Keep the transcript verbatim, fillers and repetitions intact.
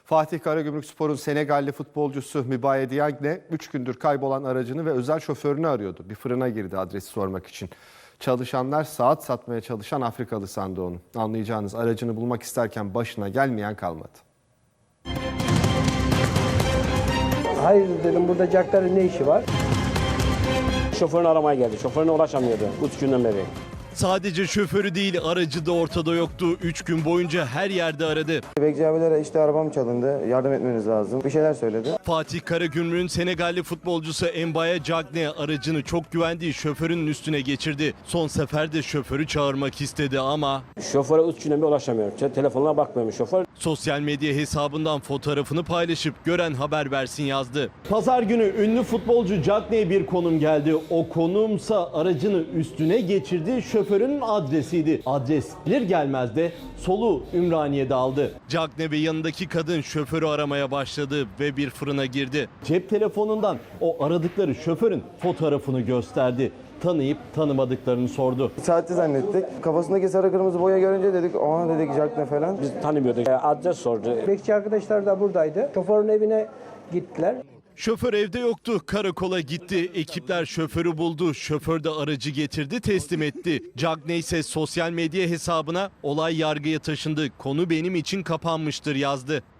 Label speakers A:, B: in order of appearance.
A: Fatih Karagümrükspor'un Senegalli futbolcusu Mbaye Diagne üç gündür kaybolan aracını ve özel şoförünü arıyordu. Bir fırına girdi adresi sormak için. Çalışanlar saat satmaya çalışan Afrikalı sandı onu. Anlayacağınız aracını bulmak isterken başına gelmeyen kalmadı.
B: Hayır dedim, burada Caktar'ın ne işi var?
C: Şoförünü aramaya geldi. Şoförüne ulaşamıyordu üç günden beri.
D: Sadece şoförü değil, aracı da ortada yoktu. Üç gün boyunca her yerde aradı.
E: Bekçi abilere işte arabam çalındı, yardım etmeniz lazım. Bir şeyler söyledi.
D: Fatih Karagümrük'ün Senegalli futbolcusu Mbaye Diagne aracını çok güvendiği şoförünün üstüne geçirdi. Son seferde şoförü çağırmak istedi ama
C: Şoföre üç günden beri ulaşamıyor. Telefonuna bakmıyormuş şoför.
D: sosyal medya hesabından fotoğrafını paylaşıp gören haber versin yazdı. Pazar günü ünlü futbolcu Diagne'ye bir konum geldi. O konumsa aracını üstüne geçirdi. Şoförün adresiydi. Adres gelir gelmez de soluğu Ümraniye'de aldı. Diagne ve yanındaki kadın şoförü aramaya başladı ve bir fırına girdi. Cep telefonundan o aradıkları şoförün fotoğrafını gösterdi. Tanıyıp tanımadıklarını sordu.
E: Saatçi zannettik. Kafasındaki sarı kırmızı boya görünce dedik, aa dedik Jack ne falan.
C: Biz tanımıyorduk. Adres sordu.
B: Bekçi arkadaşlar da buradaydı. Şoförün evine gittiler.
D: Şoför evde yoktu. Karakola gitti. Ekipler şoförü buldu. Şoför de aracı getirdi, teslim etti. Diagne ise sosyal medya hesabına olay yargıya taşındı. Konu benim için kapanmıştır yazdı.